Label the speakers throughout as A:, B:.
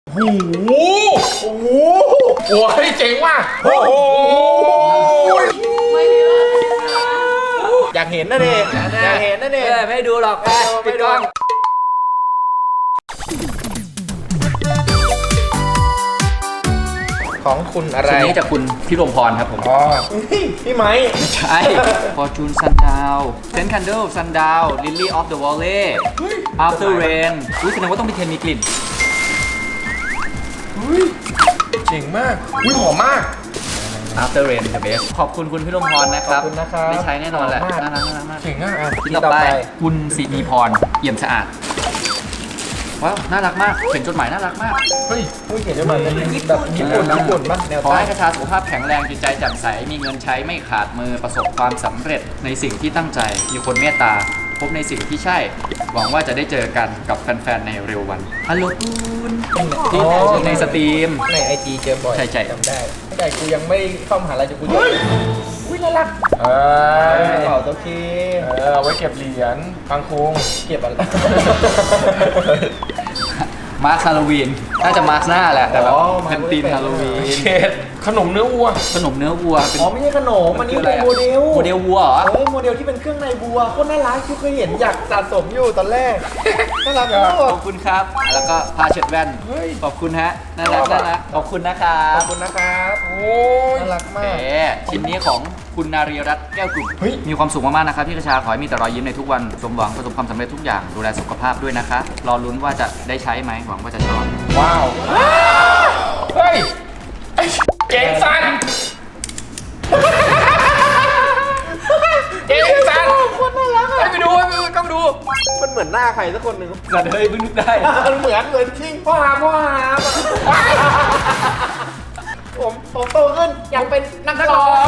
A: โอ้โหโอ้โหโอ้ยเจ๋งว่ะโอ้โหอยากเห็นนะเด็กอยากเห็นนะเด็ก
B: ไม่ดูหรอกปิดกล้อง
A: ของคุณอะไร
B: ชิ้นนี้จากคุณพี่รมพรครับผม
A: อ๋อพี่ไม้
B: ไม่ใช่ Fortune Sundown Scent Candle Sundown Lily of the Valley After Rain แสดงว่าต้องเป็นเทนมีกลิ่น
A: เจ๋งมากหอมมาก
B: After Rain the best ขอบคุณคุณพี่รมพรนะครับ
A: ขอบคุณนะครับ
B: ได้ใช้แน่นอนแหละ น่ารักมาก
A: เจ๋งมาก
B: ที่ต่อไปคุณสินีพรเอี่ยมสะอาดว้าวน่ารักมากเขียนจดหมายน่ารักมาก
A: เฮ้ยเขียนได้มาเป็นแบบญี่ปุ่นบ้างแนว
B: ขอ
A: ใต้
B: ให้กระชาสุขภาพแข็งแรงจิตใจแจ่มใสมีเงินใช้ไม่ขาดมือประสบความสำเร็จในสิ่งที่ตั้งใจมีคนเมตตาพบในสิ่งที่ใช่หวังว่าจะได้เจอกันกับแฟนๆในเร็ววันฮัลโหลคุณที่ในสตรีม
A: ใน IG เจอบ่อย
B: ใช่
A: จำได้แต่กูยังไม่เข้ามหาลัยจะกูอุ้ยน่ารักเป่าตัวคีเอาไว้เก็บเหรียญบางคุงเก็บอะไร
B: มาร์คฮาโลวีนน่าจะมาร์คหน้าแหละแต่แบบเป็นธีมฮาโลวีน
A: ขนมเนื้อวัว
B: ขนมเนื้อวัว
A: อ๋อไม่ใช่ขนมอันนี้เป็นโมเดล
B: วัวเหรอ
A: โมเดลที่เป็นเครื่องในวัวโคตรน่ารักที่เคยเห็นอยากสะสมอยู่ตอนแรกน่ารักมาก
B: ขอบคุณครับแล้วก็ผ้าเช็ดแว่นขอบคุณฮะน่ารักขอบคุณนะครับ
A: ขอบคุณนะครับโอ้ยน่ารักมาก
B: ชิ้นนี้ของคุณนารีรัตน์แก้วกลุ่มมีความสุขมากๆนะครับพี่กระชาขอให้มีแต่รอยยิ้มในทุกวันสมหวังประสบความสำเร็จทุกอย่างดูแลสุขภาพด้วยนะคะรอลุ้นว่าจะได้ใช้ไหมหวังว่าจะชอบ
A: ว้าวเฮ้ยเจ๋งสันเจ๋งสันคนน่ารักไปดูต้องดูมันเหมือนหน้าใครสักคนหนึ่ง
B: สันเฮ้ยเพิ่งนึกได้
A: เหมือนจริงพ่อหาผมโตขึ้นอยากเป็นนักร้อง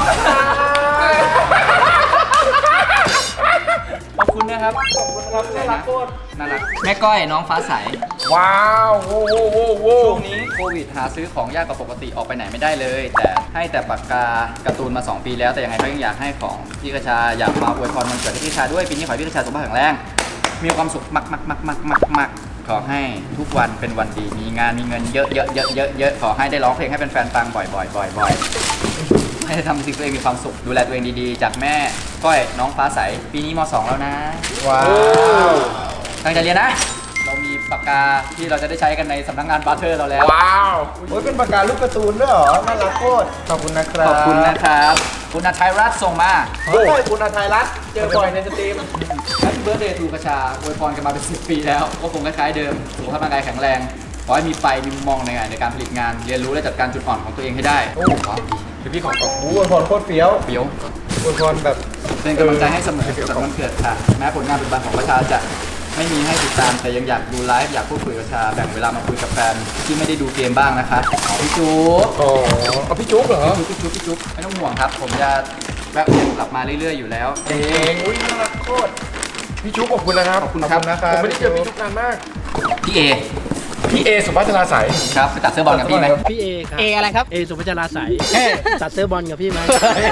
B: ขอบคุณนะครับ
A: น่ารักโคตร
B: น่ารักแม่ก้อยน้องฟ้าใส
A: ว้าวโว้
B: ช่วงนี้โควิดหาซื้อของยากกว่าปกติออกไปไหนไม่ได้เลยแต่ให้แต่ปากกาการ์ตูนมา2 ปีแล้วแต่ยังไงก็ยังอยากให้ของพี่กระชาอยากมาอวยพรวันเกิดให้พี่กระชาด้วยปีนี้ขอให้พี่กระชาสุขภาพแข็งแรงมีความสุขมากขอให้ทุกวันเป็นวันดีมีงานมีเงินเยอะขอให้ได้ร้องเพลงให้แฟนๆฟังบ่อยให้ทำสิ่งตัวเองมีความสุขดูแลตัวเองดีๆจากแม่ก้อยน้องฟ้าใสปีนี้ม.2แล้วนะ
A: ว้าว
B: ตั้งใจเรียนนะเรามีปากกาที่เราจะได้ใช้กันในสำนักงานบาร์เทอร์เราแล้ว
A: ว้าวเป็นปากกาลูกการ์ตูนด้วยเหรอน่ารักโคตรขอบคุณนะครับ
B: ขอบคุณนะครับคุณอาชัยรัตน์ส่งมา
A: คุณอาชัยรัตน์เจอบ่อยในสตรีม
B: แฮปปี้เบิร์ธเดย์ทูกระชาอวยพรกันมาเป็น10 ปีแล้วก็คงคล้ายๆเดิมสุขภาพร่างกายแข็งแรงขอให้มีไฟมีมุมมองในการผลิตงานเรียนรู้และจัดการจุดอ่อนของตัวเองให้ได้โอ้ว้าว
A: ดีพี่ของอวยพรโคตรเฟี้ยวอวยพรแบบ
B: เป็นกำลังใจให้เสมอสำหรับวันเกิดค่ะแม้ผลงานปัจจุบันของประชาจะไม่มีให้ติดตามแต่ยังอยากดูไลฟ์อยากพูดคุยกับชาแบ่งเวลามาคุยกับแฟนที่ไม่ได้ดูเกมบ้างนะคะพี่จุ๊บ
A: พี่จุ๊บเหรอ
B: พี่จุ๊บไม่ต้องห่วงครับผมจะแวะเวียนกลับมาเรื่อยๆอยู่แล้ว
A: อุ้ยน่ารักโคตรพี่จุ๊บขอบคุณนะครับ
B: ขอบคุณครับ
A: ผมไม่ได้เจอพี่จุ๊บนานมาก
B: พี่เอ
A: สุภัชราใส
B: ครับไปตัดเสื้อบอลกับพี่ไหม
C: พี่เอครับเออะไรครับเอสุภัชราใสตัดเสื้อบอลกับพี่ไหม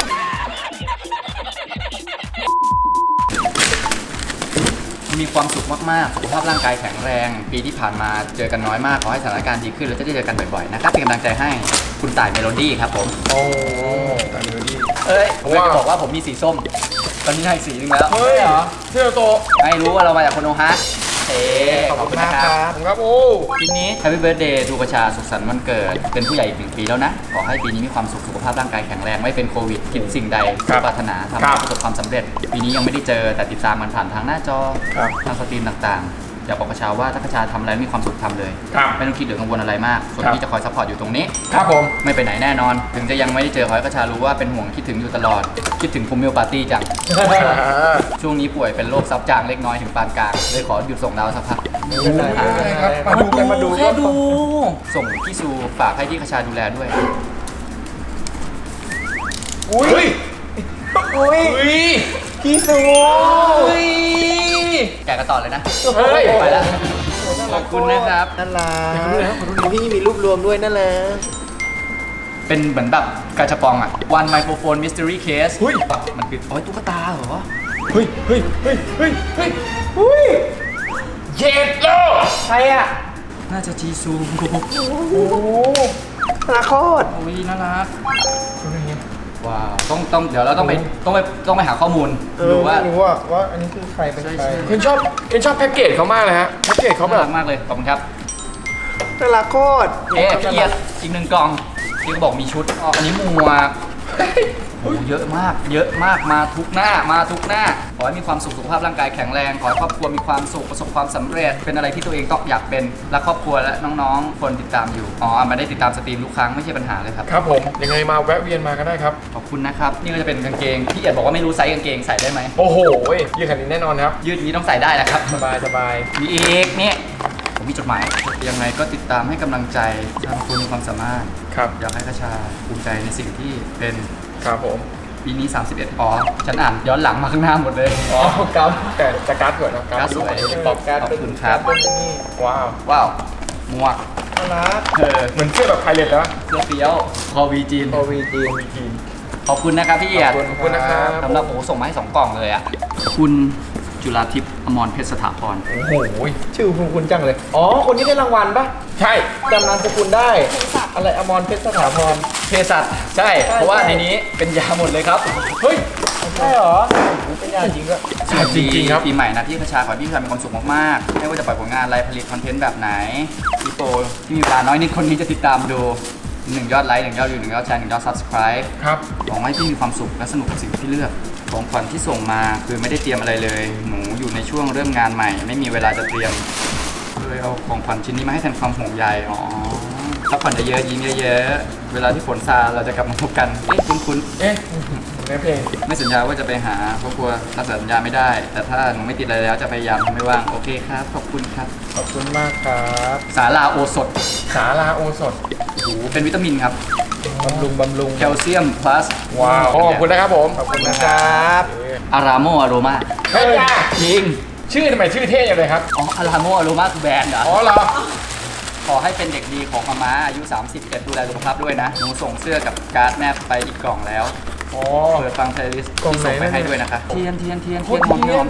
B: มีความสุขมากๆสุขภาพร่างกายแข็งแรงปีที่ผ่านมาเจอกันน้อยมากขอให้สถานการณ์ดีขึ้นแล้วจะได้เจอกันบ่อยๆนะครับเป็นกำลังใจให้คุณต่ายเมโลดี้ครับผม
A: โอ้ต่ายเมโลดี้
B: ผมจะบอกว่าผมมีสีส้มตอนนี้ให้สีนึงแล้ว
A: เฮ้ยเหรอเชื่อโต
B: ไม่รู้ว่าเรามาจากโคโนฮะ
A: ขอบคุณนะครับโอ้
B: ทีนี้ Happy Birthday ทูกระชาสุขสันต์วันเกิดเป็นผู้ใหญ่อีก1 ปีแล้วนะขอให้ปีนี้มีความสุขสุขภาพร่างกายแข็งแรงไม่เป็นโควิดคิดสิ่งใดปรารถนาทำให้ประสบความสำเร็จปีนี้ยังไม่ได้เจอแต่ติดตามมันผ่านทางหน้าจอทางสตรีมต่างๆอยากบอกกระชาว่าถ้ากระชาทำอะไรมีความสุขทำเลยไม่ต้องคิดหรือกังวลอะไรมากส่วนที่จะคอยซัพพอร์ตอยู่ตรงนี้
A: ครับผม
B: ไม่ไปไหนแน่นอนถึงจะยังไม่ได้เจอขอให้กระชารู้ว่าเป็นห่วงคิดถึงอยู่ตลอดคิดถึงคุมมิลปาร์ตี้จังช่วงนี้ป่วยเป็นโรคซับจางเล็กน้อยถึงปานกลางเลยขอหยุดส่งดาวสักพัก
A: มาดู
B: แค่ดูส่งพี่ซูฝากให้ที่กระชาดูแลด้วย
A: อุ้ยพี่ซู
B: แกะกันต่อเลยนะไปแล้วขอบคุณนะครับ
A: นั่นแหละพี่มีรูปรวมด้วยนั่นแหละ
B: เป็นเหมือนแบบกาชาปองอ่ะ One Microphone Mystery Case มันคือตุ๊กตาเหรอ
A: เฮ้ย
B: เย็ดโล
A: ใครอ่ะ
B: น่าจะจีซู
A: โอ้นาโคตร
B: โอ้ยน่ารัก
A: คุณเป็นไง
B: ว้าวต้องเดี๋ยวเราต้องไปหาข้อมูล
A: ดู
B: ดูว่า
A: รู้ว่าอันนี้คือใครเป็นใคร
B: ใช่
A: เคนชอบแพ็กเกจเขามากเลยฮะแพ็กเกจเขาแบ
B: น่า
A: บ
B: รักมากเลยขอบคุณครับ
A: น่ารักโคตร
B: พี่เอียดอีก1 กล่องที่เขาบอกมีชุดอ๋ออันนี้หมวกโอ้เยอะมากมาทุกหน้าขอให้มีความสุขสุขภาพร่างกายแข็งแรงขอให้ครอบครัวมีความสุขประสบความสำเร็จเป็นอะไรที่ตัวเองต้องอยากเป็นและครอบครัวและน้องๆคนติดตามอยู่มาได้ติดตามสตรีมทุกครั้งไม่ใช่ปัญหาเลยครับ
A: ครับผมยังไงมาแวะเวียนมาก็ได้ครับ
B: ขอบคุณนะครับนี่ก็จะเป็นกางเกงพี่เอียดบอกว่าไม่รู้ไซส์กางเกงใส่ได้ไหม
A: โอ้โหยืดขนาดนี้แน่นอนครับ
B: ยืดนี้ต้องใส่ได้แหละครับ
A: สบาย
B: มีอีกเนี่ยผมมีจดหมายยังไงก็ติดตามให้กำลังใจทางคุณมีความสามารถ
A: ครับ
B: อยากให้กระชาภูมิใจในสิ่งที่เป็น
A: ครับผม
B: ปีนี้ 31ฉันอ่านย้อนหลังมาข้างหน้าหมดเลย
A: อ๋อครับแต่จะการ์ดสวยนะ
B: การ์ดสวย
A: ปอบการ์ด
B: ขอบคุณครับ
A: เป็นนี่ว้าว
B: ว้าวหมวก
A: น่ารักเหมือนเสื้อแบบไพเรตแล้ว
B: เสื้อเฟี้ยวคอวีจีน
A: โอวีจีน
B: ขอบคุณนะครับพี่เอียด
A: ขอบคุณนะครับ
B: สำหรับโอ้ส่งมาให้2 กล่องเลยอ่ะคุณจุฬาทิพย์อมรเพชรสถาพร
A: โอ้โหชื่อคุณจังเลยอ๋อคนนี้ได้รางวัลปะใช่จำนามสกุลได้อะไรอมรเพชรสถาพร
B: เภสัชใช่ เพราะว่าในนี้เป็นยาหมดเลยครับ
A: เฮ้ยใช่เหรอเป็นยาจริงด้วย จริงๆครับ
B: ปีใหม่นะพี่กระชาขอให้พี่กระชามีความสุขมากๆไม่ว่าจะปล่อยผลงานอะไรผลิตคอนเทนต์แบบไหนพี่โปที่มีเวลาน้อยนิดคนนี้จะติดตามดู1 ยอดไลค์1 ยอดวิว1 ยอดแชร์1 ยอด subscribe
A: ครับ
B: หวังให้พี่มีความสุขและสนุกกับสิ่งที่เลือกของขวัญที่ส่งมาคือไม่ได้เตรียมอะไรเลย หนูอยู่ในช่วงเริ่มงานใหม่ ไม่มีเวลาจะเตรียมเลยเอาของขวัญชิ้นนี้มาให้แทนความห่วงใยพักผ่อนเยอะๆยิ้มเยอะๆเวลาที่ฝนซาเราจะกลับมาพบกันคุ้น
A: เอ๊ะในเพลง
B: ๆไม่สัญญาว่าจะไปหาเพราะกลัวรักษาสัญญาไม่ได้ แต่ถ้าหนูไม่ติดอะไรแล้วจะพยายามทำให้ว่างโอเคครับขอบคุณครับ
A: ขอบคุณมากครับ
B: สาลาโอสถ
A: สาลาโอสด
B: เป็นวิตามินครับ
A: บำรุง
B: แคลเซียม plus
A: ว้าวขอบคุณนะครับผมขอบคุณนะครับ
B: อารามอโรมา
A: เฮ้ยจ้า
B: จริง
A: ชื่อทำไมชื่อเท่จังเลยครับ
B: อารามอโรมาคือแบรนด์เหรอ
A: อ๋อเหรอ
B: ขอให้เป็นเด็กดีของมาม่าอายุ 31 ดูแลสุขภาพด้วยนะ หนูส่งเสื้อกับการ์ดแม่ไปอีกกล่องแล้ว
A: อ๋อ
B: เปิดฟังเพลย์ลิสต์
A: กล่อง
B: ที่ส่งไป
A: ไหนนะ
B: ให้ด้วยนะคะ เทียนห
A: โค
B: อ
A: ตร
B: ม
A: เทียน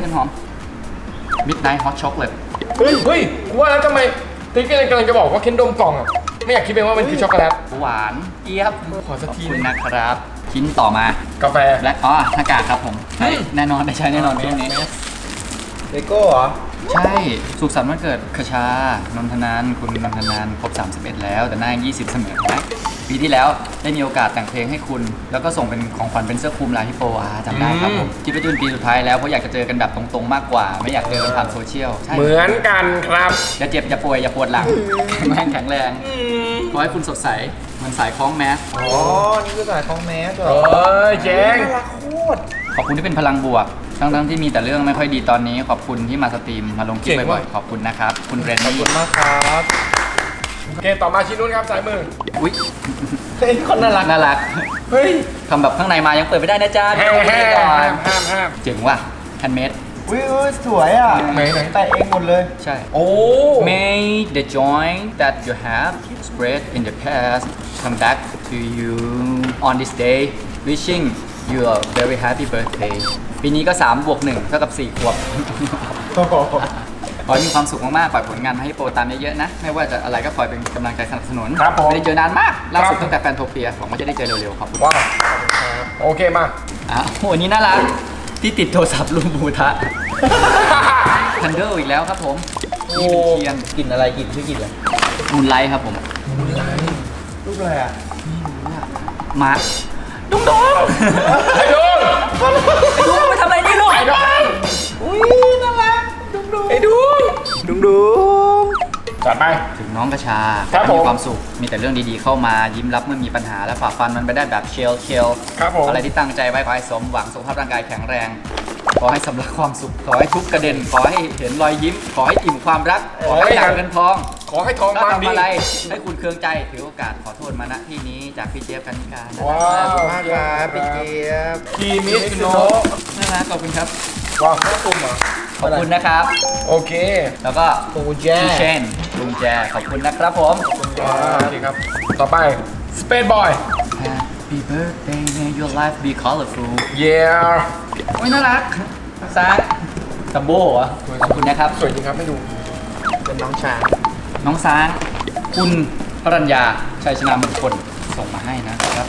B: Midnight Hot Chocolate
A: เฮ้ยกูว่าแล้วทำไมติ๊กกำลังจะบอกว่าเค้นดมกล่องอ่ะไม่อยากคิดเป็นว่ามันคือช็อกโกแลต
B: หวานเจี๊ยบ
A: ขอสักที
B: ขอบคุณนะครับ ชิ้นต่อมาก
A: าแฟ
B: และหน้ากากครับผมใช่แน่นอนได้ใช้แน่นอนช่วงนี้
A: เลโก้เหรอ
B: ใช่ สุขสันต์วันเกิดคชานนทนานคุณนนทนานครบ 31 แล้ว แต่หน้ายัง20 เสมอนะปีที่แล้วได้มีโอกาสแต่งเพลงให้คุณ แล้วก็ส่งเป็นของขวัญเป็นเสื้อคลุมลายฮิปโปจำได้ครับผมคิดว่าจะเป็นปีสุดท้ายแล้ว เพราะอยากจะเจอกันแบบตรงๆมากกว่า ไม่อยากเจอกันผ่านโซเชียลใช่
A: เหมือนกันครับ
B: อย่าเจ็บ อย่าป่วย อย่าปวดหลังแข็งแรงขอให้คุณสดใสเหมือนสายคล้องแมส
A: อ๋อ นี่คือสายของแมสเหรอเอ้ยเจ๋งน่ารักโคตร
B: ขอบคุณที่เป็นพลังบวก ทั้งที่มีแต่เรื่องไม่ค่อยดีตอนนี้ ขอบคุณที่มาสตรีมมาลงคลิป
A: เจ๋ง
B: บ่อ
A: ว่ะ
B: ยๆขอบคุณนะครับคุณเรน
A: ขอบ
B: นี่
A: คุณมากครับโอเคต่อมาชิ้นนู้นครับสายมือ
B: อุ๊ย
A: เฮ้ยคนน่ารัก
B: น่ารัก
A: เฮ้ย
B: ทำแบบข้างในมายังเปิดไม่ได้นะจ๊ะ
A: ห้าม
B: ดูนี่ก่อน
A: ห้าม
B: เจ๋งว่ะแฮนด์เมด
A: อุ้ยสวยอ่ะไหนแต่เองหมดเลย
B: ใช่
A: โอ้
B: May the joy that you have spread in the past come back to you on this day wishing you a very happy birthday ปีนี้ก็3 บวก 1 เท่ากับ 4 ขวบ ขอให้มีความสุขมากๆปล่อยผลงานมาให้โปรตามเยอะๆนะ ไม่ว่าจะอะไรก็คอยเป็นกำลังใจสนับสนุน
A: ครับผม
B: ไม่ได้เจอนานมาก ล่าสุด
A: ครับ
B: ตั้งแต่แฟนโทเปียหวังว่าจะได้เจอเร็วๆ ขอบคุณ
A: ว้าวขอบคุณครับโอเคมา
B: โอ้โหอันนี้น่ารักที่ติดโทรศัพท์ลุงบูทะ ทันเดอร์อีกแล้วครับผมนี่เป็นเทียน
C: กลิ่นอะไรกลิ่นชื่อกลิ่นอะไร
B: มูนไลท์ครับผม
A: รูปอะไรอ่ะ
B: มาดุงดง
A: ไอ้ดุง
B: ไอ้ดุงไปทำอะไรนี่ลูก
A: ไอ้ดุง
C: อุ้ยน่ารักดุงดุง
A: ไอ้ดุง
C: ดุงดุง
A: จัดไป
B: ถึงน้องกระชา
A: ครับผม
B: มีความสุข มีแต่เรื่องดีๆเข้ามายิ้มรับเมื่อมีปัญหาและฝ่าฟันมันไปได้แบบเชล
A: ครับผม
B: อะไรที่ตั้งใจไว้ขอให้สมหวังสุขภาพร่างกายแข็งแรง ขอให้สำลักความสุข ขอให้ทุกกระเด็น ขอให้เห็นรอยยิ้ม ขอให้อิ่มความรัก ขอให้ดังเงินทอง
A: ขอให้ทอง
B: ก็
A: มา
B: ทำ
A: ดี
B: อะไรให้คุณเคืองใจถือโอกาสขอโทษมาณที่นี้จากพี่เจี๊ยบกันนิการ
A: ว้าว
C: ขอบคุณมากครับพี่เจี๊ยบ
A: คีมิสโน
B: น่ารักขอบคุณครับ
A: ว้าวน่าคุ้มเหรอ
B: ขอบคุณนะครับ
A: โอเค
B: แล้วก็
C: ปูแจ
B: พี่เชนลุงแจขอบคุณนะครับผม
A: ว้าวโอเคครับ ต่อไป Space Boy
B: Happy birthday may your life be colorful
A: yeah
B: โอ้ยน่ารักซาตัมโบ้เหรอขอบคุณนะครับ
A: สวยจริงครับไม่ดู
C: เป็นน้องช้าง
B: น้องช้างคุณพรัญญาชัยชนะมงคลส่งมาให้นะครับ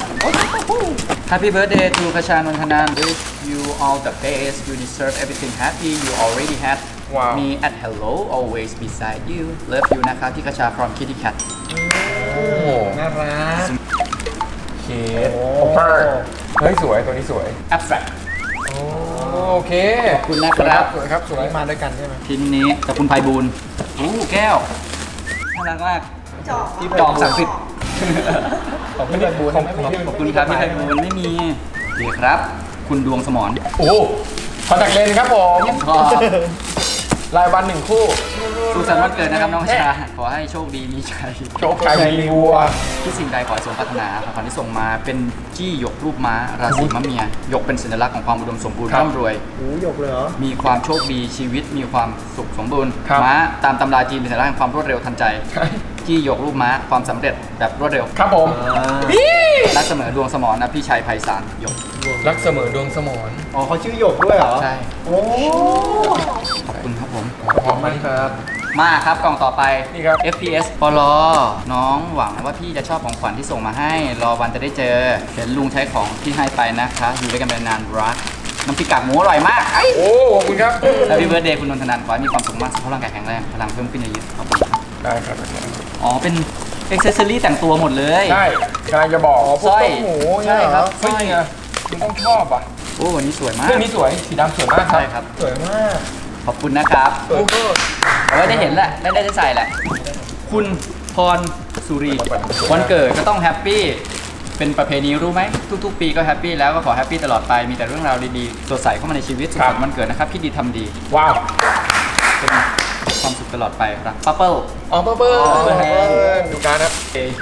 B: Happy birthday to คชานนทนาน wish you all the best you deserve everything happy you already had
A: Wow.
B: me at hello always beside you love you นะครับพี่คชา from Kitty Cat
A: โอ้โห
C: น่ารัก
A: เคสคอปเปอร์เฮ้ยสวยตัวนี้สวย
B: abstract
A: โอเค
B: ขอบคุณนะครับ
A: สวยครับสวย
C: มาด้วยกันใช่ไหม
B: ชิ้นนี้จากคุณไพบูลย์แก้วน่ารักมาก จอกศักดิ์สิทธิ์
C: ของพี่ไพบูลย์
A: ของ
B: ขอบคุณครับพี่ไพบูลย์ไม่มีโอเคครับ คุณดวงสมร
A: โอ้คอนแทคเลนส์ครับผม
B: ก็
A: รายวัน1 คู่
B: สุขสันต์วันเกิดนะครับน้องชาขอให้โชคดีมีชัย
A: โชคชัยมีวัว
B: ทุกสิ่งใดขอให้สมปรารถนาของขวัญที่ส่งมาเป็นจี้หยกรูปม้าราศีมะเมียหยกเป็นสัญลักษณ์ของความอุดมสมบูรณ์
A: ครับ
B: ร่ำรวย
C: โอ้หยกเลยเหรอ
B: มีความโชคดีชีวิตมีความสุขสมบูรณ์
A: ครับ
B: ม้าตามตำราจีนเป็นสัญลักษณ์แห่งความรวดเร็วทันใจ จี้หยกรูปม้าความสำเร็จแบบรวดเร็ว
A: ครับผม
B: รักเสมอดวงสมรนะพี่ชัยไพศาลหยก
A: รักเสมอดวงสมร
C: อ๋อเขาชื่อหยกด้วยเหรอ
B: ใช่
C: โอ้
B: ขอบคุณครับผม
A: ขอบคุณครับ
B: มาครับกล่องต่อไป
A: นี่ครับ
B: FPS ปลอน้องหวังว่าพี่จะชอบของขวัญที่ส่งมาให้ รอวันจะได้เจอ เห็นลุงใช้ของที่ให้ไปนะคะ อยู่ด้วยกันเป็นนานรัก น้ำพริกกากหมูอร่อยมากไอ้
A: โอ้ขอบคุณครับ
B: แล้วพี่เบิร์ดเดย์คุณนนทนันขอให้มีความสุขมากสุขภาพร่างกายแข็งแรง พลังเพิ่มขึ้นเยอะๆขอบคุณครับ
A: ได้ครับ
B: อ๋อ เป็นเอ็กเซสซอรี่แต่งตัวหมดเลย
A: ใช่กำลังจะบอก
B: สร้อย
C: หมู
B: ใช่ครับส
A: เฮ้
B: ร้
A: ย
B: อย
A: เนี่ยคุณต้องชอบอ่ะ
B: โอ้วันนี้สวยมาก
A: เรื่องนี้สวยสีดำสวยมากครับ
B: ใช่ครับ
C: สวยมาก
B: ขอบคุณนะครับ
C: สวยมาก
B: เอาไว้ได้เห็นแหละ ได้ใส่แหละ คุณพรสุรี วันเกิดก็ต้องแฮปปี้ เป็นประเพณีรู้ไหม ทุกๆ ปีก็แฮปปี้แล้วก็ขอแฮปปี้ตลอดไป มีแต่เรื่องราวดีๆ สดใสเข้ามาในชีวิตสุขสันต์วันเกิดนะครับคิดดีทำดี
A: ว้าว
B: เป็นความสุขตลอดไปรักปั๊บเปิ้ล
A: อ๋อเปิ้ลเปิ้ล
B: อ๋อเปิ้ล
A: ดูการครับ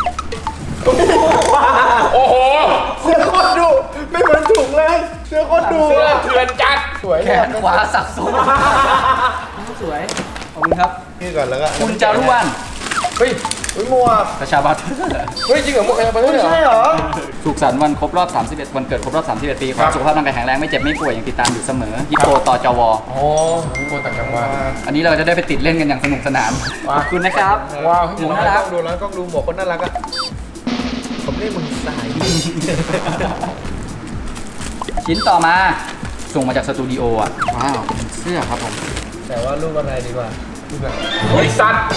A: โอ้โห
C: เสื้อโคตรดุไม่เหมือนถุงเลย เสื้อโคตรดุ
A: เสื้อเถื่อนจัด
C: สวย
B: แข
C: เลย
B: นขวาสักสูงสวย ขอบคุณครับ
C: นี่ก่อนแล้วก็
B: คุณจารุวรรณ
A: เฮ้ย
C: อุ้ยหมวก
B: ประชาบัตร
A: เฮ้ยจริงเหรอหมวกอะไรไป
C: ไม่
A: เลยเหรอ
C: ใช่เหรอ
B: สุขสันต์วันครบรอบ 31 วันเกิดครบรอบ 31 ปีขอ
A: ครั
B: ให้
A: บ
B: สุขภาพร่างกายแข็งแรงไม่เจ็บไม่ป่วยอย่างติดตามอยู่เสมอฮิปโปต่อจว
A: อ๋อพี่โกต่างจังหวัด
B: อันนี้เราจะได้ไปติดเล่นกันอย่างสนุกสนาน
A: ว้าว
B: ขอบคุณนะครับ
A: ว้าว
B: หมูน่ารัก
C: ดูแล้วก็ดูหมวกคนน่ารักอ่ะผมเรียกมึงสายดี
B: ชิ้นต่อมา ส่งมาจากสตูดิโออ่ะ ว้าวเป็นเสื้อครับผม
C: แต่ว่ารูปอะไรดีกว่า
A: เฮ้ยสัตว์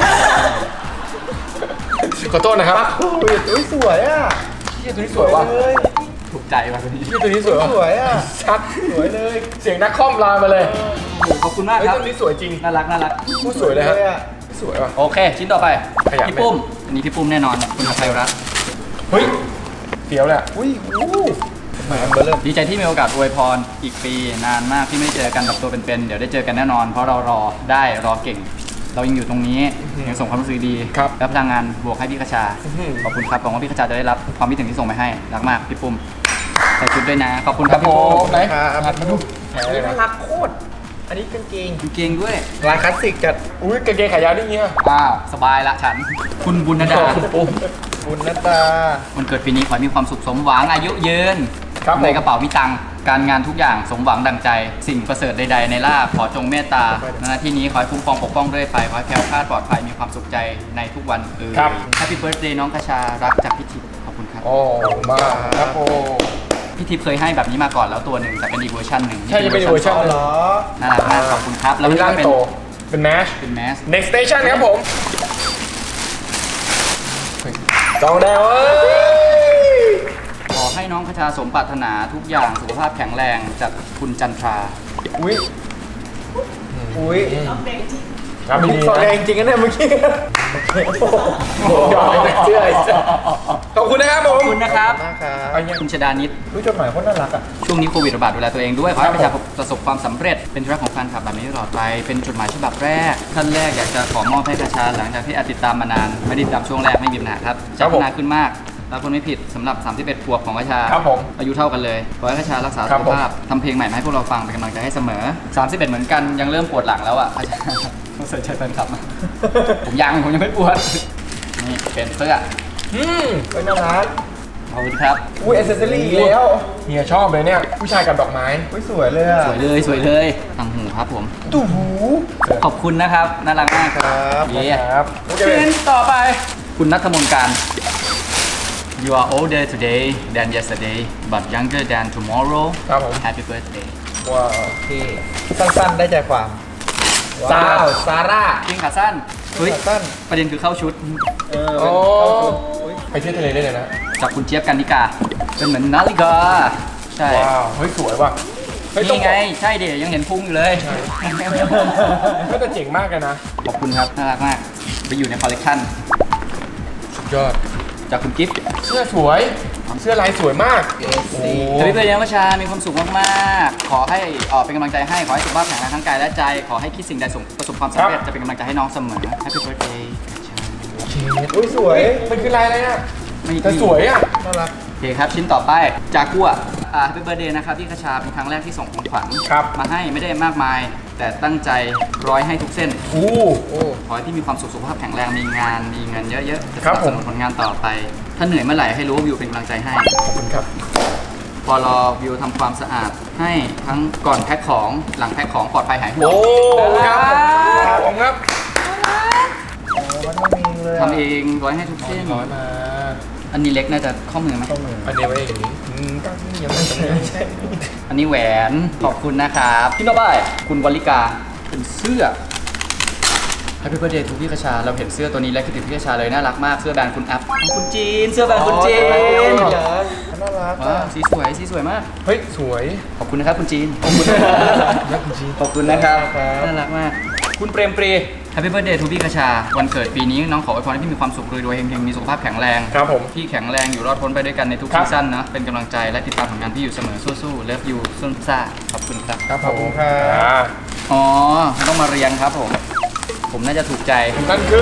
A: ขอโทษนะครับ
C: อุ้ยสวยอ่ะ
A: เฮียตัวนี้สวยว่ะ
C: เลย
B: ถูกใจว่ะตัวนี้
A: เฮียตัวนี้สวยว่ะ
C: สวยอ่ะ
A: สัตว์
C: สวยเลย
A: เสียงนักคอมลายมาเลย
B: ขอบคุณมาก
A: เฮ้ย
B: ครับ
A: ตัวนี้สวยจริง
B: น่ารักน่ารัก
A: พูดสวยเลยครับ
C: สวยอะ
A: สวยว่ะ
B: โอเค ชิ้นต่อไป
A: ขยับไหม
B: พี่ปุ้ม อันนี้พี่ปุ้มแน่นอน คุณไทยรัฐ
A: เฮ้ยเฟี้ยวเลยอะ
C: อุ้ยอู้แหมเบอร์เริ่ม
B: ดีใจที่มีโอกาสอวยพรอีกปีนานมากที่ไม่ได้เจอกันแบบตัวเป็นๆ เดี๋ยวได้เจอกันแน่นอน เพราะเรารอได้รอเก่ง เรายังอยู่ตรงนี้ยังส่งความรู้สึกดี
A: ครับ
B: และพลังงานบวกให้พี่กระชา
A: อื้อหือ
B: ขอบคุณครับหวังว่าพี่กระชาจะได้รับความคิดถึงที่ส่งไปให้รักมากพี่ปุ้มใส่ชุดด้วยนะ ขอบคุณครับพี่ปุ้ม
A: ไหน
C: ครับ
A: มาดู
C: อันนี้น่ารักโคตร อันนี้กางเกง
B: กางเกงด้วย
C: ลายคลาสสิกจัด
A: อุ้ยกางเกงขายาวนี่เงี้ย
B: อ้าวสบายละฉัน คุณบุญนดา
C: บุญนัตตา
B: วันเกิดปีนี้ขอให้มีความสุขสมหวังอายุยืน
A: ครับผม
B: ในกระเป๋ามีตังค์การงานทุกอย่างสมหวังดังใจ สิ่งประเสริฐใดๆในลาภขอจงเมตตาในหน้าที่นี้ขอให้คุ้มครองปกป้องเรื่อยไปขอให้แคล้วคลาดปลอดภัยมีความสุขใจในทุกวัน
A: ครับ
B: แฮปปี้เบิร์ดเดย์น้องกระชารักจากพี่ทิพย์ขอบคุณครับ
A: โอ้มาครับโอ้
B: พี่ทิพย์เคยให้แบบนี้มาก่อนแล้วตัวหนึ่งแต่เป็นอีกเวอร์ชันหนึ่ง
A: ใช่จะเป็นอีกเวอร์ชัน
C: อ๋อเหรอ
B: น่ารักมากขอบคุณครับแล้ว
A: เป็น
B: นี่
A: ร่าง
B: ก็เป็น
A: โตเป็นแมช
B: เป็นแมส
A: next station ครับผมจองแดวเอ้ย
B: ขอให้น้องกระชาสมปรารถนาทุกอย่างสุขภาพแข็งแรงจากคุณจันทรา
A: อุ้ย
C: อุ้ย
A: ครับดี
C: สอ
A: ๆ
C: แด
A: นะ
C: งจริงนะเนี่ยเมื่อกี้
A: หยอกในเสื้อไอ้เสื้อขอบคุณนะครับผ
B: ขอบ
A: ม
B: คุณนะครับ
C: มากครับ
A: เอาเงี้ย
B: คุณชดานิด
C: อุ้ยจดหมายโคตรน่ารักอ่ะ
B: ช่วงนี้โควิดระบาดดูแลตัวเองด้วย ขอให้
A: ค
B: ป
A: รับ
B: ระชาประสบความสำเร็จ เป็นธุระของแฟนคลับแบบนี้ตลอดไป เป็นจดหมายฉบับแรก ท่านแรกอยากจะขอมอบให้กระชาหลังจากที่อาจติดตามมานาน ไม่ได้ติดตามช่วงแรกไม่มีปัญหาครับจะพัฒนาขึ้นมากรับคนไม่ผิดสำหรับ 31 ขวบของกระชา
A: ครับผม
B: อายุเท่ากันเลย ขอให้กระชารักษา
A: ครั
B: สุ
A: บ
B: ข
A: ผม
B: ภาพทำเพลงใหม่มาให้พวกเราฟังเป็นกำลังใจให้เสมอ 31 เหมือนกันยังเริ่มปวดหลังแล้วอ่ะกระชาต้องใส่ใจแฟนคลับมาผมยังไม่ปวดนี่เป็นเสื้อ
A: อืม
C: เฮ้ยน่ารัก
B: ขอบคุณครับ
C: อุ้ยแอ c เซสซอรี่แล้ว
A: เฮียชอบเลยเนี่ย ผู้ชายกับดอกไม้
C: อุ้ยสวยเลยอ่ะ
B: สวยเลยต่างหูครับผม
C: ตู้หู
B: ขอบคุณนะครับน่ารักมาก
C: ครับ
B: เย้
A: ครับ
B: ชิ้นต่อไปคุณนัทมนต์การ You are older today than yesterday but younger than tomorrow
A: ครับผม
B: Happy birthday
A: ว้าว
C: โอเคสั้นๆได้ใจความ
A: ซาร่า
B: จริงขาสั้นเฮ้ย
C: สั้น
B: ประเด็นคือเข้าชุด
A: โอ้ไปเที่ยวทะเลได้เลยนะ
B: จากคุณเจี๊ยบกันนิกาเป็นเหมือนนาฬิกาใช่
A: ว้าวเฮ้ยสวยว่ะเฮ้ยต้อง
B: นี่ไงใช่เดี๋ยวยังเห็นพุงอยู่เลย
A: ก็จะเจ๋งมากเลยนะ
B: ขอบคุณครับน่ารักมากไปอยู่ในคอลเลกชัน
A: สุดยอด
B: จากคุณกิฟต์
A: เสื้อสวย เสื้อลายสวยมากโอ้
B: ทวิตเตอร์ยังประชามีความสุขมากๆขอให้เป็นกำลังใจให้ขอให้สุขภาพแข็งแรงทั้งกายและใจขอให้คิดสิ่งใดประสบความสำเร็จจะเป็นกำลังใจให้น้องเสมอ Happy birthday
C: อุ้ยสวย
A: มันคือลายอะไรอ่ะ
B: ไม่
A: แต่สวยอ่ะ
C: น่ารัก
B: โอเคครับชิ้นต่อไปจากกัวHappy birthday นะครับพี่คชาเป็นครั้งแรกที่ส่งของขวัญ
A: ครับ
B: มาให้ไม่ได้มากมาย แต่ตั้งใจร้อยให้ทุกเส้น
A: อู้
B: ขอให้พี่มีความสุขสุขภาพแข็งแรงมีงานมีเงินเยอะๆจะส
A: ครับ
B: นับ
A: ผ
B: ส
A: ม
B: นุนผลงานต่อไป ถ้าเหนื่อยเมื่อไหร่ให้รู้ว่าวิวเป็นกำลังใจให้
A: ขอบคุณครับ
B: พอรอวิวทำความสะอาดให้ทั้งก่อนแพ็คของหลังแพ็คของปลอดภัยหายห่วง
A: โอ้ครับขอบคุณครับ
C: มันต้องมีเลย
B: ทำเองร้อยให้ทุกเส้น
A: ร้อยมา
B: อันนี้เล็กน่าจะข้อมือไหม
C: ต้องมือ
A: อันนี้ไว้อย่างนี้ตั้งยังไม่ใช่
B: อันนี้แหวนขอบคุณนะครับพี่โนบายคุณวลิกาเป็นเสื้อ Happy birthday ทุกพี่คชาเราเห็นเสื้อตัวนี้แล้วคิดถึงพี่คชาเลยน่ารักมากเสื้อแบรนด์คุณแอปของคุณจีนเสื้อแบรนด์คุณจีน
C: น่ารัก
B: ว้าวสีสวยมาก
A: เฮ้ยสวย
B: ขอบคุณนะครับคุณจีน
A: ขอบคุณนะคุณจี
B: ขอบคุณนะครับน่ารักมาก คุณเปรมปรี Happy birthday ทุกพี่คชาวันเกิดปีนี้น้องขออวยพรให้พี่มีความสุขรวยๆเฮงๆมีสุขภาพแข็งแรง
A: ครับผม
B: พี่แข็งแรงอยู่รอดพ้นไปด้วยกันในทุก
A: ครับ
B: ซีซั่นนะเป็นกำลังใจและติดตามผลงานพี่อยู่เสมอสู้ๆเลิฟยูซุนซ่าขอบคุณครับ
A: ครับ
C: ขอบคุณครับ
B: อ๋อต้องมาเรียงครับผมน่าจะถูกใจ
A: นั่นคือ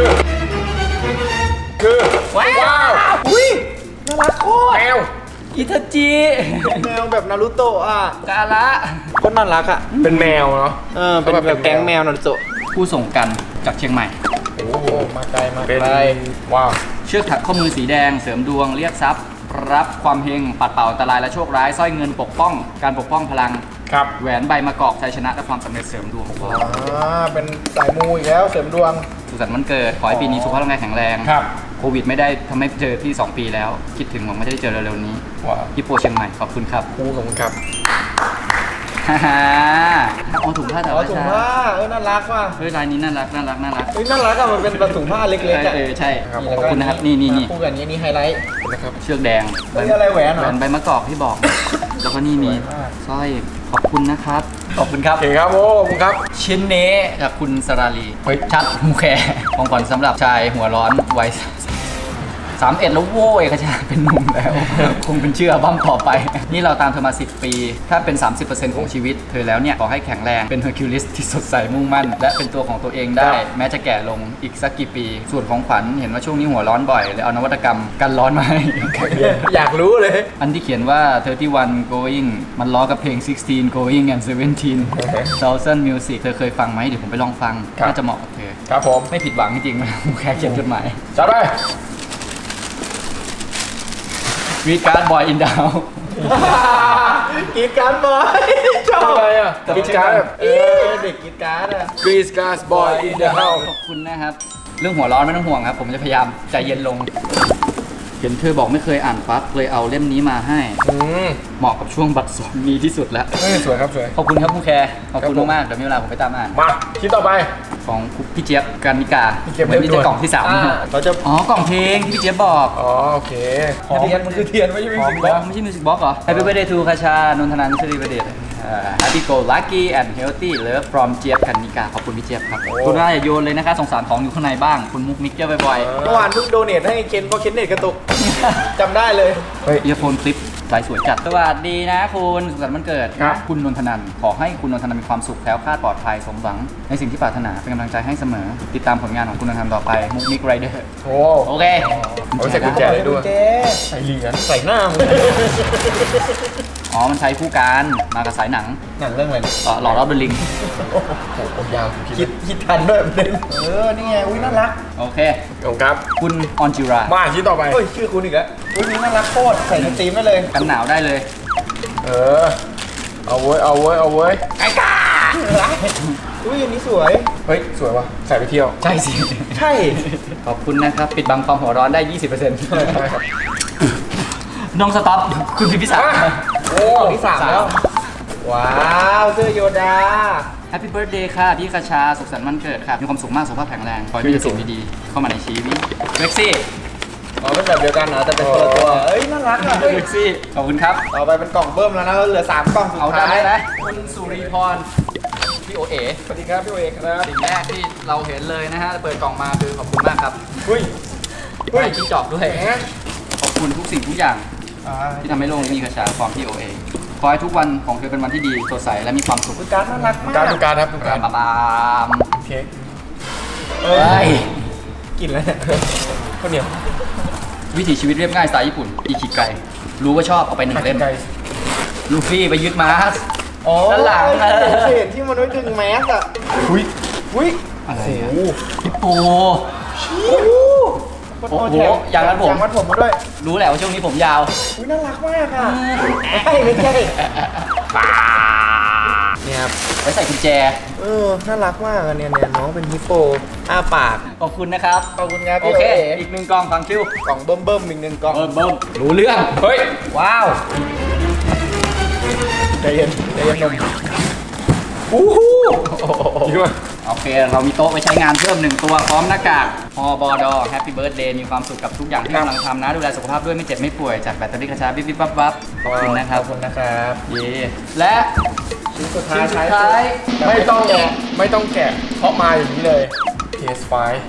B: ว้าว
C: อุ้ยน่ารักโคตร
A: แมว
B: อิทาจิ
C: แมวแบบนารูโตะอ่ะ
B: กาละ
C: ก็น่ารักอ่ะ
A: เป็นแมวเนาะ
C: เป็นแบบแก๊งแมวนารูโตะ
B: ผู้ส่งกันจากเชียงใหม่
A: โอ้โห
C: มาไกลมา
A: เป็น
C: ไกล
A: ว้าว
B: เชือกถักข้อมือสีแดงเสริมดวงเรียกทรัพย์ รับความเฮงปัดเป่าอันตรายและโชคร้ายสร้อยเงินปกป้องการปกป้องพลัง
A: ครับ
B: แหวนใบมะกอกชัยชนะและความสำเร็จเสริมดวง
C: เป็นสายมูอีกแล้วเสริมดวง
B: สุขสันต์วันเกิดขอให้ปีนี้สุขภาพร่างกายแข็งแรง
A: ครับ
B: โควิดไม่ได้ทำให้เจอพี่ 2 ปีแล้ว คิดถึงผมไม่ได้เจอเร็วๆนี้
A: ว้าว
B: ญี่ปุ่นเชียงใหม่ขอบคุณครับ
A: ครูขอบคุณครับ
B: ฮ่าฮ่าเอาถุงผ้าแต่
C: อ๋อ
B: ว่า
C: ถุงผ้าน่ารักว่ะ
B: เฮ้ยลายนี้น่ารัก
C: เฮ้ยน่ารักอ่ะมันเป็นแบบถุงผ้าเล็กๆอ่ะ
B: ใช่
A: ครับ
B: ขอบคุณนะครับนี่
C: คู่กันนี้ไฮไลท์
A: นะครับ
B: เชือกแดง
C: เฮ้ยอะไรแหวนเหรอ
B: แหวนใบมะกอกที่บอก แล้วก็นี่มี
C: สวยมาก
B: สร้อยขอบคุณนะครับขอบคุณครับ
A: โอเคครับโอ้ขอบคุณครับ
B: ชิ้นนี้จากคุณสราลี
A: เฮ้ย
B: ชัดมูแคของขวัญสำหรับชายหัวร้อนวัย31แล้วโว้ยเขาจะเป็นหนุ่มแล้ว คงเป็นเชื่อบ้ามต่อไป นี่เราตามเธอมา 10 ปี ถ้าเป็น 30% ของชีวิต เธอแล้วเนี่ย ขอให้แข็งแรงเป็นเฮอร์คิวลิสที่สดใสมุ่งมั่น และเป็นตัวของตัวเองได้ แม้จะแก่ลงอีกสักกี่ปี ส่วนของขวัญเห็นว่าช่วงนี้หัวร้อนบ่อยเลยเอานวัตกรรมกันร้อนมาให้
C: อยากรู้เลย
B: อันที่เขียนว่า 31 going มันล้อกับเพลง 16 going and 17 thousand music เธอเคยฟังไหมเดี๋ยวผมไปลองฟัง
A: ครับ
B: น่าจะเหมาะกับเธอ
A: ครับผม
B: ไม่ผิดหวังจริงๆ แค่เขียนจดหมาย
A: จัดไป
B: วีการ์ดบอยอินดาว
C: กรีดการ์ดบอยชอบ
A: อะไรอ่ะกิจการแบบ
C: เด็กกรีดการ์ดอ่ะ
A: กรีสการ์สบอยอินเดอะเฮาส์
B: ขอบคุณนะครับ เรื่องหัวร้อนไม่ต้องห่วงครับ ผมจะพยายามใจเย็นลง เห็นเธอบอกไม่เคยอ่านปั๊บเลยเอาเล่มนี้มาให้ เหมาะกับช่วงบัตรสองมีที่สุดแล้ว
A: เฮ้ยสวยครับสวย
B: ขอบคุณครับผู้แคร์ขอบคุณ
A: ครับผม
B: มากๆเดี๋ยวมีเวลาผมไปตามอ่าน
A: มาชิ้นต่อไป
B: ของพี่เจี๊ยบกันนิกา
A: พี่เจี๊ยบ
B: เหมือนนี่
A: เรียบด่วน
B: จะกล่องที่
C: เราจะ
B: 3อ๋อกล่องเพลงที่พี่เจี๊ยบบอก
A: อ๋อโอเค
C: เทียนมันคือเทียนไม่ใช่มิวสิกบ็อก
B: ไม่ใช่มิวสิกบ็อกเหรอ Happy birthday to คาชานนทนันท์สิริประเดชHappy go lucky and healthy love from เจี๊ยบกันนิกาขอบคุณพี่เจี๊ยบครับคุณน่าอย่าโยนเลยนะคะสงสารของอยู่ข้างในบ้างคุณมุกมิกเจ้าบ่อย
C: เมื่อวานเพิ่งโดเนทให้เคนเพราะเคนเน็ตกระตุกจำได้เลย
A: เฮ้ย
B: ๆเอียโฟนคลิปสายสวยจัดสวัสดีนะคุณสุขสันต์วันเกิด
A: ครับ
B: คุณนนทนันท์ขอให้คุณนนทนันท์มีความสุขแคล้วคลาดปลอดภัยสมหวังในสิ่งที่ปรารถนาเป็นกำลังใจให้เสมอ ติดตามผลงานของคุณนนทนันท์ต่อไปมุกมิกไรเดอร์
A: โอ้
B: โอเค
A: เอาใส่กุญแจเลยด้วย ใส่เหรียญ
C: ใส่หน้ามึง
B: อ๋อมันใช้คู่กันมากับสายหนัง
C: หนังเรื่องอะไรเนี่ย
B: หล่อรอบเดอะลิง
A: โอ้โหยาว
C: คิดทันด้วยประเด็นนี่ไงอุ้ยน่ารัก
B: โอเค
A: ขอบคุณครับ
B: คุณออนจิรา
A: มาชิ้นต่อไป
C: เฮ้ยชื่อคุณอีกแล้วอุ้ยนี่น่ารักโคตรใส่ในตีมได้เลย
B: กันหนาวได้เลย
A: เออ เอาเว้ย เอาเว้ย เอาเว้ย
B: ไก่กา
A: อุ้ยอันนี้สวย เฮ้ย สวยว่ะ ใส่ไปเที่ยว
B: ใช่สิ
A: ใช่
B: ขอบคุณนะครับ ปิดบังความหัวร้อนได้ 20%
A: ใช่ครับ
B: น้องสต็อป คุณพิพิศักดิ์
A: โอ้ที่3แล้ว ว้าวเสื้อโยดา
B: Happy Birthday ค่ะพี่คชาสุขสันต์วันเกิดค่ะมีความสุขมากสุขภาพแข็งแรงขอให้มีแต่สิ่งดีๆเข้ามาในชีวิตเล็กซี่
A: อ๋อเป็นแบบเดียวกันเหรอแต่เป็นคนละตัว เอ้ยน่ารักอ่ะ
B: เล็กซี่ขอบคุณครับ
A: ต่อไปเป็นกล่องเบิ้มแล้วนะเหลือ3กล่องสุด
B: เอา
A: ท้า
B: ได้
A: ย
B: นะคุณสุริพรพี่โอเอ๋
A: สวัสดีครับพี่โอเอกครับ
B: สิ่งแรกที่เราเห็นเลยนะฮะเปิดกล่องมาคือขอบคุณมากครับ
A: อุ้ย
B: ได้จิ้งจอกด้วย
A: แหม
B: ขอบคุณทุกสิ่งทุกอย่างที่ทำให้โลกนี้มีกระชาความพี่โอเอ๋ขอให้ทุกวันของเธอเป็นวันที่ดีสดใสและมีความสุข
A: คือการดน่ารักมากการดูการครับดูการ
B: บาม
A: เค้ก
B: เฮ้ย
A: กินแล้วเนี่ยข้าวเหนียว
B: วิถีชีวิตเรียบง่ายสไตล์ญี่ปุ่นอีคิไกรู้ว่าชอบเอาไป1 เล่ม
A: ไก่
B: ลูฟี่ไปยึดมาส
A: อ๋อ
B: ด้านหลัง
A: เห็นที่มันไว้ดึงแมสอ่ะอุ้ยอุ้ย
B: อะไร
A: โอ้
B: อะ
A: โห
B: ฮิปโป
A: โอ้
B: โอ้โห
A: แถม
B: อย่างนั้นผม
A: อย่างมัดผมมาด้วย
B: รู้แหละว่าช่วงนี้ผมยาว
A: อุ้ยน่ารักมากอ่ะไม่ใช่เนี่ยครับ
B: ไว้ใส่กุญแจ
A: น่ารักมากอะเนี่ยน้องเป็นฮิปโปอ้าปาก
B: ขอบคุณนะครับ
A: ขอบคุณครับ
B: โอ
A: พี่
B: เค
A: โอเอ๋
B: อีก1 กล่องฟังคิว
A: กล่องเบิ่มๆอีก1กล่อง
B: เบิ่มรู้เรื่อง
A: เฮ้ย
B: ว้าว
A: ใจเย็นนม
B: อู้หู
A: ดีมาก
B: โอเค เรามีโต๊ะไว้ใช้งานเพิ่ม1 ตัวพร้อมหน้ากากฮอบอดอแฮปปี้เบิร์ดเดย์มีความสุขกับทุกอย่างที่กำลังทำนะ ดูแลสุขภาพด้วยไม่เจ็บไม่ป่วยจากแบตเตอรี่กระชาบิ๊บบับบับขอบคุณนะครับ
A: ขอบคุณนะครับ
B: เย่และ
A: ชิ้นสุด
B: ชิ้
A: ท้าย
B: นสุดท้าย
A: ไม่ต้องแกะเพราะมาอย่างนี้เลย PS5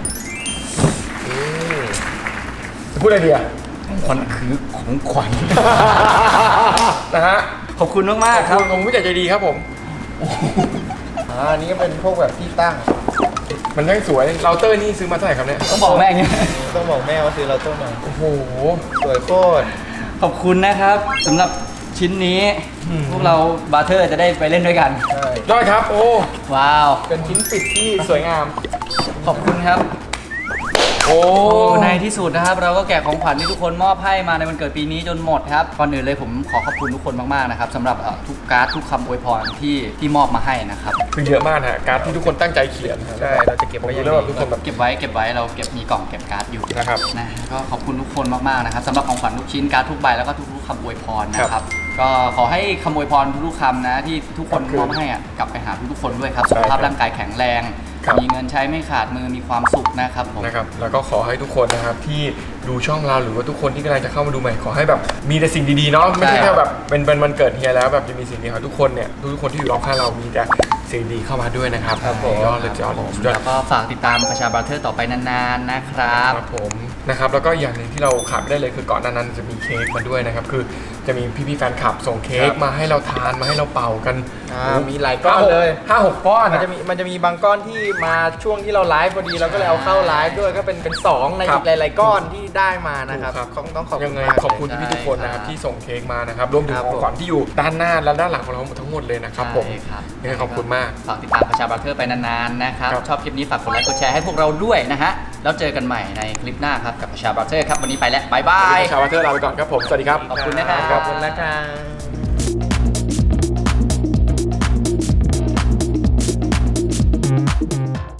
A: จะพูดอะไรดีอ่ะ
B: มันคือของขวัญ
A: นะฮะ
B: ขอบคุณมากๆครับ
A: ผมผู้ใหญ่ใจดีครับผมอันนี้ก็เป็นพวกแบบที่ตั้ง มันยังสวยเราเตอร์นี่ซื้อมาเท่าไหร่ครับเนี่ย
B: ต้องบอกแม่อย่างเงี้ย
A: ต้องบอกแม่ว่าซื้อเราเตอร์มาโอ้โหสวยโคตร
B: ขอบคุณนะครับสำหรับชิ้นนี้ พวกเราบาร์เทอร์จะได้ไปเล่นด้วยกัน
A: ใช่ยอดครับโอ้
B: ว้าว
A: เป็นชิ้นปิดที่สวยงาม
B: ขอบคุณครับ
A: โอ้
B: ในที่สุดนะครับเราก็แกะของขวัญที่ทุกคนมอบให้มาในวันเกิดปีนี้จนหมดครับก่อนอื่นเลยผมขอขอบคุณทุกคนมากๆนะครับสำหรับทุกการ์ดทุกคำอวยพรที่มอบมาให้นะครับ
A: คือเยอะมากนะการ์ดที่ทุกคนตั้งใจเขียนใช่เราจะเก็บไว้อย่างดีทุกคนแบบ
B: เก็บไว้เราเก็บมีกล่องเก็บการ์ดอยู่
A: นะครับ
B: นะก็ขอบคุณทุกคนมากๆนะครับสำหรับของขวัญทุกชิ้นการ์ดทุกใบแล้วก็ทุกๆคำอวยพรนะครับก็ขอให้คำอวยพรทุกๆคำนะที่ทุกคนมอบให้อะกลับไปหาทุกๆคนด้วยครับสุขภาพร่างกายแข็งแรงมีเงินใช้ไม่ขาดมือมีความสุขนะครับผม
A: นะครับแล้วก็ขอให้ทุกคนนะครับที่ดูช่องเราหรือว่าทุกคนที่กำลังจะเข้ามาดูใหม่ขอให้แบบมีแต่สิ่งดีๆเนาะไม่ใช่แค่แบบเป็นวันเกิดเฮียแล้วแบบจะมีสิ่งดีครับทุกคนเนี่ยทุกคนที่อยู่รอบข้างเรามีแต่สิ่งดีเข้ามาด้วยนะครับยอดเลยยอดเลยสุดยอด
B: แล้วก็ฝากติดตามประชาบราเธอร์ต่อไปนานๆนะครับ
A: ครับผมนะครับแล้วก็อย่างหนึ่งที่เราขาดไม่ได้เลยคือก่อนหน้านั้นจะมีเค้กมาด้วยนะครับคือจะมีพี่ๆแฟนคลับส่งเค้กมาให้เราทานมาให้เราเป่ากันมีหลายก้อนเลย5-6 ก้อนมันจะมีบางก้อนที่มาช่วงที่เราไลฟ์พอดีเราก็เลยเอาเข้าไลฟ์ด้วยก็เป็น2ในอีกหลายๆก้อนที่ได้มานะครับต้องขอบคุณมากขอบคุณพี่ๆทุกคนนะครับที่ส่งเค้กมานะครับรวมถึงของขวัญที่อยู่ด้านหน้าและด้านหลังของเราทั้งหมดเลยนะครับผมยังไงขอบคุณมาก
B: ฝากติดตามประชาบราเธอร์ไปนานๆนะครับ
A: ครับ
B: ชอบคลิปนี้ฝากกดไลค์กดแชร์ให้พวกเราด้วยนะฮะแล้วเจอกันใหม่ในคลิปหน้าครับกับประชาบราเธอร์ครับวันนี้ไปแล้วบ๊ายบาย
A: ชาววัตเตอร์ลาไปก่อนครับผมสวัสดีครับ
B: ขอบคุณนะครับ
A: ขอบคุณนะครับ